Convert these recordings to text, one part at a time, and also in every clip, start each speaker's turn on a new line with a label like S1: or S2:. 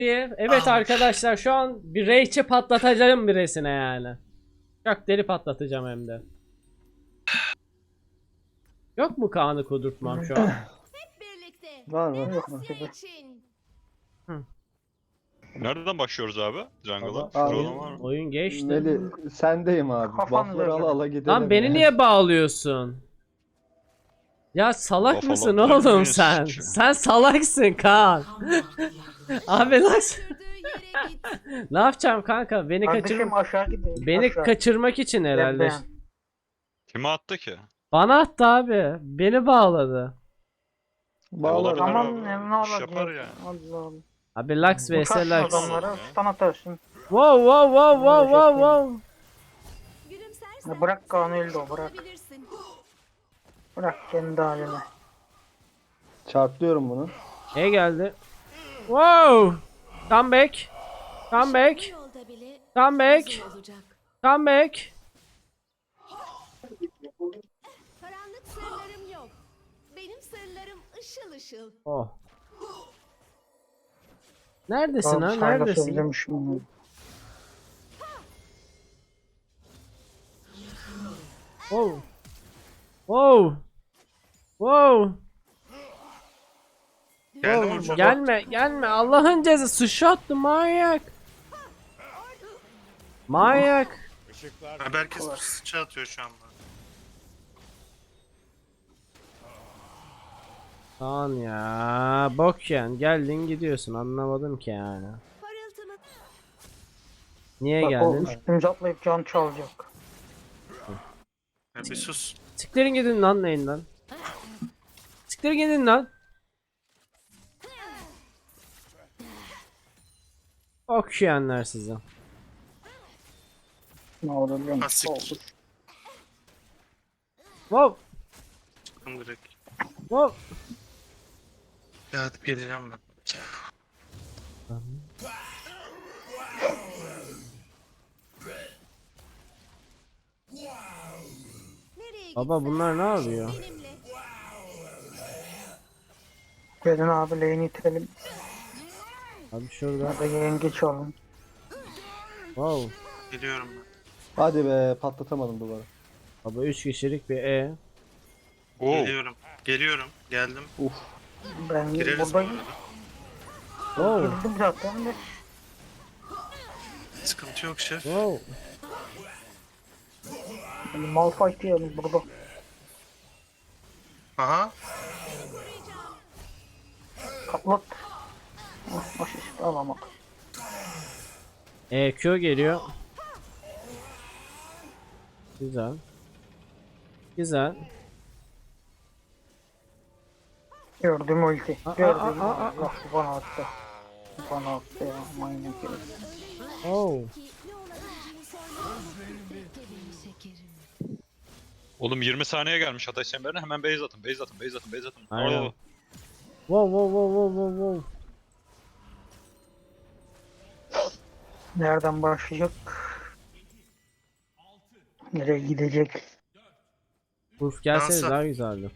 S1: Evet arkadaşlar şu an bir Rage'i patlatacağım birisine yani. Çok deli patlatacağım hem de. Yok mu Kaan'ı kudurtmam şu an?
S2: Birlikte.
S3: Var mı?
S2: Asya için.
S4: Nereden başlıyoruz abi? Jungle'a.
S1: Baba,
S4: Şurada
S3: Abi,
S4: olan var mı?
S1: oyun geçti.
S3: Meli sendeyim abi.
S5: Kafanıza
S3: Buff'ları
S5: göre.
S3: ala gidelim
S1: Lan beni
S3: ya.
S1: niye bağlıyorsun? Ya salak
S4: Kafalar
S1: mısın
S4: dönüyor,
S1: oğlum sen?
S4: sıçıyor.
S1: Sen salaksın Kaan. Abi lan
S2: Sürdüğü yere git.
S1: ne yapacağım kanka?
S5: Kardeşim aşağı gidin.
S1: Beni
S5: aşağı.
S1: kaçırmak için herhalde.
S5: Ben.
S4: Kime attı ki?
S1: Bana attı abi. Beni bağladı.
S3: Bağlar
S4: Olabilir
S3: abi.
S5: Tamam
S4: abi.
S5: ne
S4: İş
S5: olacak?
S4: yapar ya.
S5: Allah Allah.
S1: Abi Lux vs
S5: Uçarsın
S1: Lux.
S5: adamlara stun atarsın.
S1: Wow wow wow wow wow wow.
S2: Gülümsersen
S5: Ya bırak Kaan'ı öldü o, bırak.
S2: olabilirsin.
S5: Bırak kendi haline.
S3: Çarplıyorum bunu.
S1: Ne geldi? Wow. Come back. Come back.
S2: Bu yolda bile
S1: Come back.
S2: uzun olacak.
S1: Come back.
S2: Karanlık sırlarım yok. Benim sırlarım ışıl ışıl.
S1: Oh. Neredesin
S5: Abi
S1: ha?
S5: Sylas
S1: Neredesin?
S5: özlemişim bunu.
S1: Wow. Wow. Wow.
S4: Geldim
S1: Wow.
S4: hocam.
S1: Gelme, gelme. Allah'ın cezası. Sıçrattı manyak. Manyak.
S6: Abi herkes sıçra atıyor şu an bana.
S1: Kaan ya. Bok yani. Geldin gidiyorsun. Anlamadım ki yani.
S2: Parıltımı
S1: Niye
S5: Bak o
S1: geldin?
S5: üstümüze atlayıp can çalacak.
S6: Ya bir sus.
S1: Siktirin gidin lan neyinden. Siktirin gidin lan. Okşayanlar size.
S5: Ne olur biliyor musun?
S6: Asik.
S5: Olur.
S1: Wow.
S6: Çıktım direkt.
S1: Wow.
S6: Ya hadi geleceğim ben.
S2: nereye
S1: Baba
S2: gitsen
S1: bunlar ne yapıyor?
S2: benimle.
S5: Gelin abi lane'i itelim.
S1: Abi şurada.
S5: Ya da yengeç alın.
S1: Wow.
S6: Geliyorum ben.
S3: Hadi be patlatamadım duvarı.
S1: Baba 3 kişilik bir E.
S4: Oo.
S6: Geliyorum. Geliyorum. Geldim.
S3: Uf.
S5: Ben
S6: Gireriz bu
S5: buradayım.
S6: arada.
S1: Wow.
S5: Girdim zaten de.
S6: Sıkıntı yok şef.
S1: Wow.
S5: Malphite yiyelim burada.
S6: Aha.
S5: Kaplat. Asist alamadım.
S1: EQ geliyor. Güzel. Güzel.
S5: Gördüm ulti.
S1: Aa,
S5: Gördüm.
S1: aa, aa, aa.
S5: Allah bana attı. Bana attı ya. Manyak herif.
S1: Oh.
S2: Ki ne olabileceğini sormadan bekle beni şekerim.
S4: Oğlum 20 saniye gelmiş ateş çemberine, hemen base atın, base atın, base atın, base atın.
S1: Aynen.
S4: Oo.
S1: Wow wow wow wow wow wow.
S5: Nereden başlayacak? Nereye gidecek?
S1: Urf gelseniz
S6: Dansa.
S1: daha güzeldi.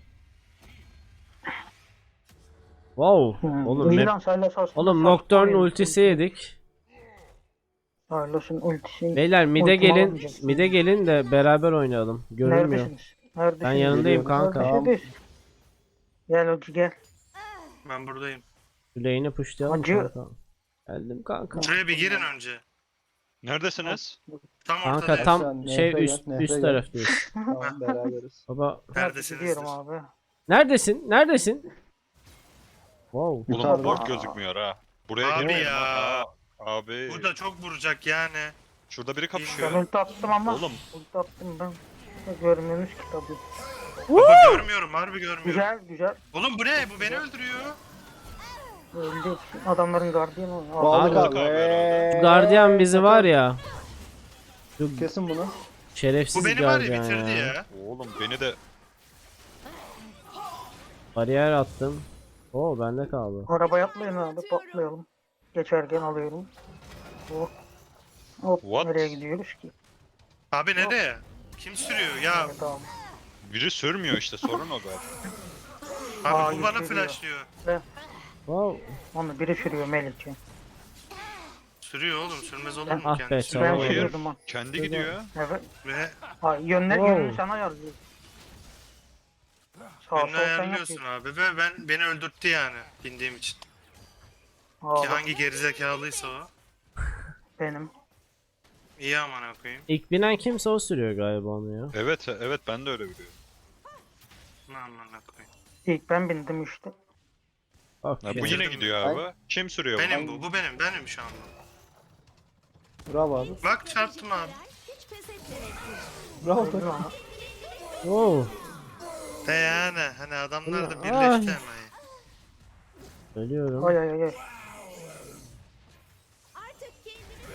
S1: Wow. Oğlum
S5: İyi
S1: map.
S5: lan Sylas aslında
S1: Oğlum
S5: saçma
S1: Nocturne
S5: herif.
S1: ultisi yedik.
S5: Sylas'ın ultisi.
S1: Beyler mid'e
S5: Ultimi
S1: gelin.
S5: almayacak.
S1: Mid'e gelin de beraber oynayalım. Görünmüyor.
S5: Neredesiniz? Neredesiniz?
S1: Ben yanındayım
S3: Geliyorum.
S1: kanka.
S5: Neredesiniz? Gel Hoca gel.
S6: Ben buradayım.
S1: Lane'i pushlayalım
S5: Hacı.
S1: kanka. Geldim kanka.
S6: Şuraya bir girin önce.
S4: Neredesiniz?
S6: Tam
S1: Kanka
S6: ortadayım.
S1: tam
S3: Sen
S1: şey
S3: nehre
S1: üst
S3: gel, nehre
S1: üst
S3: gel.
S1: taraftayız.
S3: Tamam beraberiz.
S1: Baba
S6: Neredesinizdir?
S5: Gidiyorum abi.
S1: neredesin? Neredesin? Wow.
S4: Oğlum
S3: Yukarıda.
S4: bak gözükmüyor ha. Buraya
S6: Abi
S4: girmeyin
S6: ya.
S4: lan. Abi.
S6: Burada çok vuracak yani.
S4: Şurada biri
S5: Ben
S4: kapışıyor.
S5: ulti attım ama.
S4: Oğlum.
S5: Ulti attım ben. Görmüyorsunuz ki tabii.
S6: Baba görmüyorum, harbi görmüyorum.
S5: Güzel güzel.
S6: Oğlum bu ne? Bu beni öldürüyor.
S5: Öldü. Adamların gardiyanı.
S3: Bağlı
S1: Abi.
S3: kal.
S1: Gardiyan bizi var ya. Şu
S3: Kesin bunu.
S1: şerefsiz
S6: Bu beni var ya
S1: gardiyan
S6: bitirdi
S1: ya.
S6: ya.
S4: Oğlum beni de
S1: Bariyer attım. Oo bende kaldı.
S5: Arabaya atlayın abi patlayalım. Geçerken alıyorum. Oh. Hop
S4: What?
S5: nereye gidiyoruz ki?
S6: Abi nereye? Kim sürüyor ya?
S5: Evet abi.
S4: biri sürmüyor işte, sorun o zaten.
S6: Abi
S5: Aa,
S6: bu bana
S5: yükseliyor.
S6: flashlıyor.
S1: Wow.
S5: Onu biri sürüyor Melih'ciğim.
S6: Sürüyor oğlum. Sürmez olur mu
S1: Ah
S6: kendi
S1: be,
S6: sürüyor.
S1: tamam.
S5: Ben
S4: Hayır.
S5: sürüyordum ha.
S4: Kendi gidiyor.
S5: Evet.
S6: Ve
S5: Ha,
S1: Wow.
S5: yönünü sana yazıyor. Sağ
S6: önünü
S5: sol sen
S6: ayarlıyorsun
S5: yapıyorsun.
S6: abi ve beni öldürttü yani bindiğim için.
S5: Aa,
S6: Ki
S5: bak,
S6: hangi gerizekalıysa o.
S5: benim.
S6: İyi amına koyayım.
S1: İlk binen kimse o sürüyor galiba onu ya.
S4: Evet evet ben de öyle biliyorum.
S6: Ne amına koyayım.
S5: İlk ben bindim işte.
S1: Bak
S4: Ha, bu
S1: ya.
S4: yine gidiyor abi. Kim sürüyor bunu?
S6: Benim bu. Bu benim. Benim şu anda.
S3: Bravo abi.
S6: Bak çarptım abi.
S2: Hiç pes etmemektir.
S3: Bravo.
S5: Öldü ama.
S1: Wow.
S6: De yani hani adamlar da
S1: Ay.
S6: birleşti hemen.
S1: Ölüyorum.
S5: Ay ay ay.
S2: Artık kendini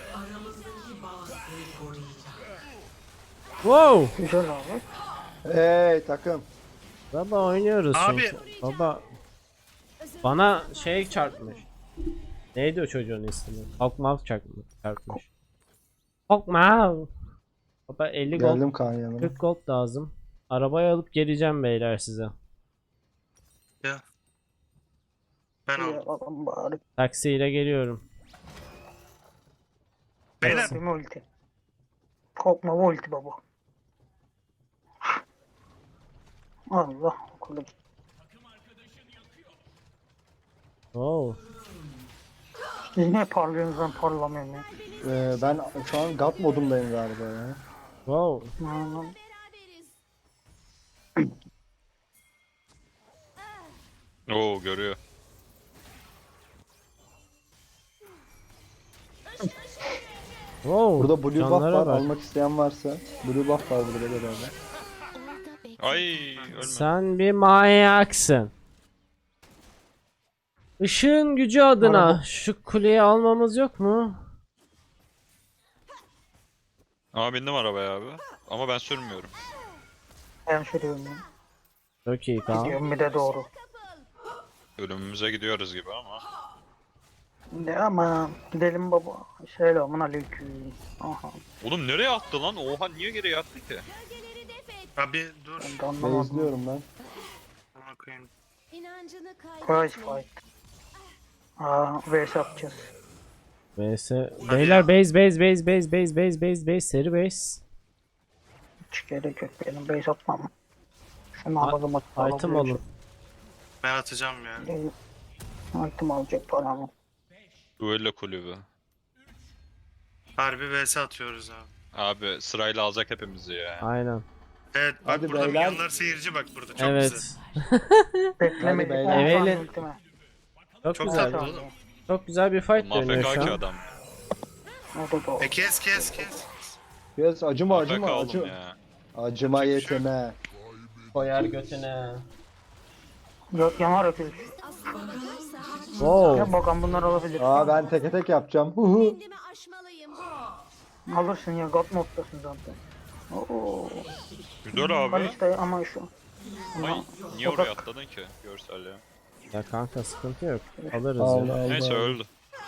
S1: Wow.
S5: Güzel abi.
S3: Hey takım.
S1: Baba oynuyoruz
S6: Abi.
S1: çünkü. Baba bana şey çarpmış. Neydi o çocuğun ismi? Hawkmaw çarpmış. Hawkmaw. Baba 50 gold,
S3: Geldim Kaan yanına.
S1: 40 gold lazım. Arabayı alıp geleceğim beyler size.
S6: Ya. Ben
S5: İyi
S6: aldım.
S5: bakalım bari.
S1: Taksiyle geliyorum.
S6: Beyler
S5: Bir ulti. Korkma bu ulti baba. Allah okudum.
S1: Wow.
S5: Siz niye parlıyorsunuz ben parlamıyorum ya.
S3: Ben şu an God modundayım galiba ya.
S1: Wow.
S5: Aman.
S2: beraberiz.
S4: Oo görüyor.
S1: Wow.
S3: Burada blue buff
S1: canlara
S3: var.
S1: bak.
S3: Almak isteyen varsa. Blue buff var burada beraber.
S2: Orada bekle.
S4: Ay ölme.
S1: Sen bir manyaksın. Işığın gücü adına
S5: Araba.
S1: şu kuleyi almamız yok mu?
S4: Ama bindim arabaya abi. Ama ben sürmüyorum.
S5: Ben sürüyorum ya.
S1: Çok iyi tamam.
S5: Gidiyorum bir de doğru.
S4: Ölümümüze gidiyoruz gibi ama.
S5: Ne aman gidelim baba. Selamun aleyküm. Aha.
S4: Oğlum nereye attı lan? Oha niye geriye attı ki?
S2: Gölgeleri def et.
S6: abi dur.
S5: Ben de anlamadım.
S3: izliyorum ben.
S6: Amına koyayım.
S2: İnancını
S5: Price
S2: kaybetme.
S5: fight. Aa vs yapacağız.
S1: vs. Beyler base seri base.
S5: Hiç gerek yok benim base atmam. Şunu alalım atalım.
S1: Item alın.
S6: Ben atacağım ya.
S5: Item alacak paramı.
S4: Duello kulübü.
S6: Harbi vs atıyoruz abi.
S4: Abi sırayla alacak hepimizi ya.
S1: Aynen.
S6: Evet bak
S3: Hadi
S6: burada
S3: beyler.
S6: milyonlar seyirci bak burada çok
S1: Evet.
S6: güzel.
S5: Beklemedik.
S3: Hadi
S5: 10
S3: beyler.
S5: saniye
S1: Evelin-
S5: ultime.
S1: Çok
S6: Çok
S1: güzel.
S6: tatlı oğlum.
S1: Çok güzel bir fight dönüyor
S4: Mafeka
S1: şu
S4: ki
S1: an.
S4: adam.
S5: O da doğru.
S6: Kes.
S3: Biraz acıma
S4: Mafeka
S3: acıma
S4: oğlum
S3: acıma.
S4: ya.
S3: Acıma yeteme.
S1: Koyar götüne.
S5: Yok yanar öpülür.
S1: Wow.
S5: Ya bakalım bunlar alabilir.
S3: Aa ben teke tek yapacağım.
S2: Kendimi aşmalıyım.
S5: Alırsın ya God moddasın zaten. Oo.
S4: Güzel abi.
S5: Kaliste ama şu.
S4: Ay niye oraya atladın ki? Görsel ya.
S1: Ya kanka sıkıntı yok. Alırız
S3: Allah
S1: ya.
S3: Allah.
S4: Neyse öldü.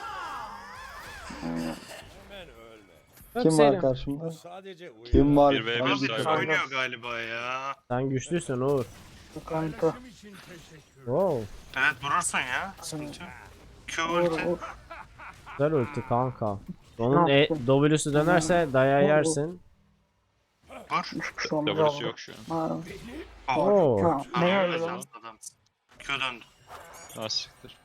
S1: Yok
S3: Kim
S1: senin.
S3: var karşımda? Kim var?
S4: 1v1
S6: Abi
S4: sayfa.
S6: oynuyor galiba ya.
S1: Sen güçlüsün Uğur.
S5: Sıkıntı.
S1: Wow.
S6: Evet vurursun ya. Sıkıntı yok. Q ulti.
S5: Vur.
S1: Güzel ulti kanka. Onun
S5: Ne yaptın?
S1: W'su dönerse dayağı
S5: Vur, vur.
S1: yersin.
S6: Vur.
S5: Hiçbir şey olmaz
S4: W'su
S5: abi.
S4: yok şu an.
S5: Ha.
S1: Oo.
S5: Ha, ne
S6: Abi
S5: öyle
S6: öyle
S5: lan?
S6: adam. Q döndü.
S4: Ha siktir.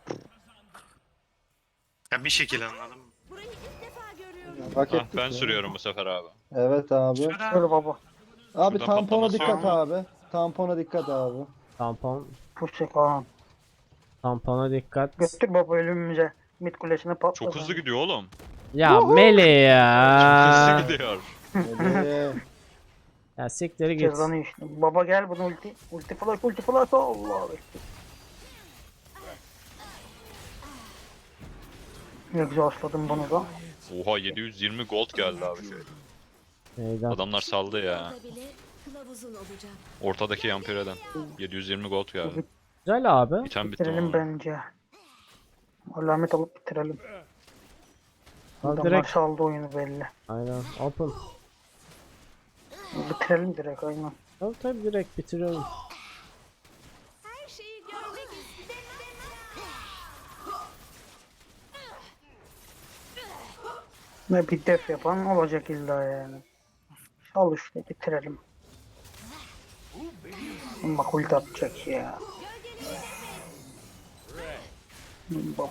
S6: Ya bir şekilde anladım.
S2: Burayı ilk defa görüyorum.
S3: Hak
S4: Ah
S3: ettik
S4: ben
S3: ya.
S4: sürüyorum bu sefer abi.
S3: Evet abi.
S5: Şöyle baba.
S3: Abi
S4: Şuradan
S3: tampona
S4: patlaması
S3: dikkat
S4: yok
S3: abi. Tampona dikkat abi.
S1: Tampon.
S5: Pusek ha.
S1: Tampona dikkat.
S5: Götür baba ölümümüze. Mid kulesine patla.
S4: Çok hızlı gidiyor oğlum.
S1: Ya Mele ya.
S4: Hızlı gidiyor.
S3: Hadi.
S1: Ya sikleri git.
S5: Cezanı işte. Baba gel bunu ulti. Ulti flash. Allah bekle. Ne güzel asladım bunu da.
S4: Oha 720 gold geldi abi şey.
S1: Neyden?
S4: Adamlar saldı ya.
S2: Orada bile kılavuzun olacak.
S4: Ortadaki Yampireden. 720 gold geldi.
S1: Güzel abi.
S4: Biten bitti
S5: Bitirelim
S4: ama.
S5: bence. Alamet alıp bitirelim.
S1: Al
S5: Adamlar
S1: direkt.
S5: saldı oyunu belli.
S1: Aynen. Open.
S5: Bitirelim direkt aynen.
S1: Tabii direkt bitiriyorum.
S2: Her şeyi görmek istemem.
S5: Ne bir def yapan olacak illa yani. Al işte bitirelim. Bak ulti atacak ya. Bak.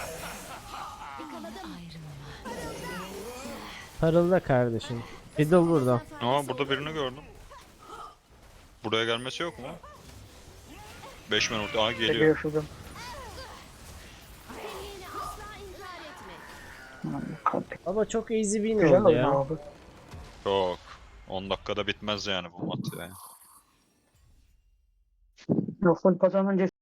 S1: Parılda kardeşim. Fiddle burada.
S4: Aa burada birini gördüm. Buraya gelmesi yok mu? 5 men ulti. Aa geliyor.
S5: Geliyor şuradan.
S2: Seviyeni asla inkar etme.
S5: Aman kardeşim.
S1: Baba çok easy win
S5: Güzel
S1: oldu
S5: oyun
S1: ya.
S5: abi.
S4: Yok. 10 dakikada bitmez yani bu mat ya.
S5: Full kazanınca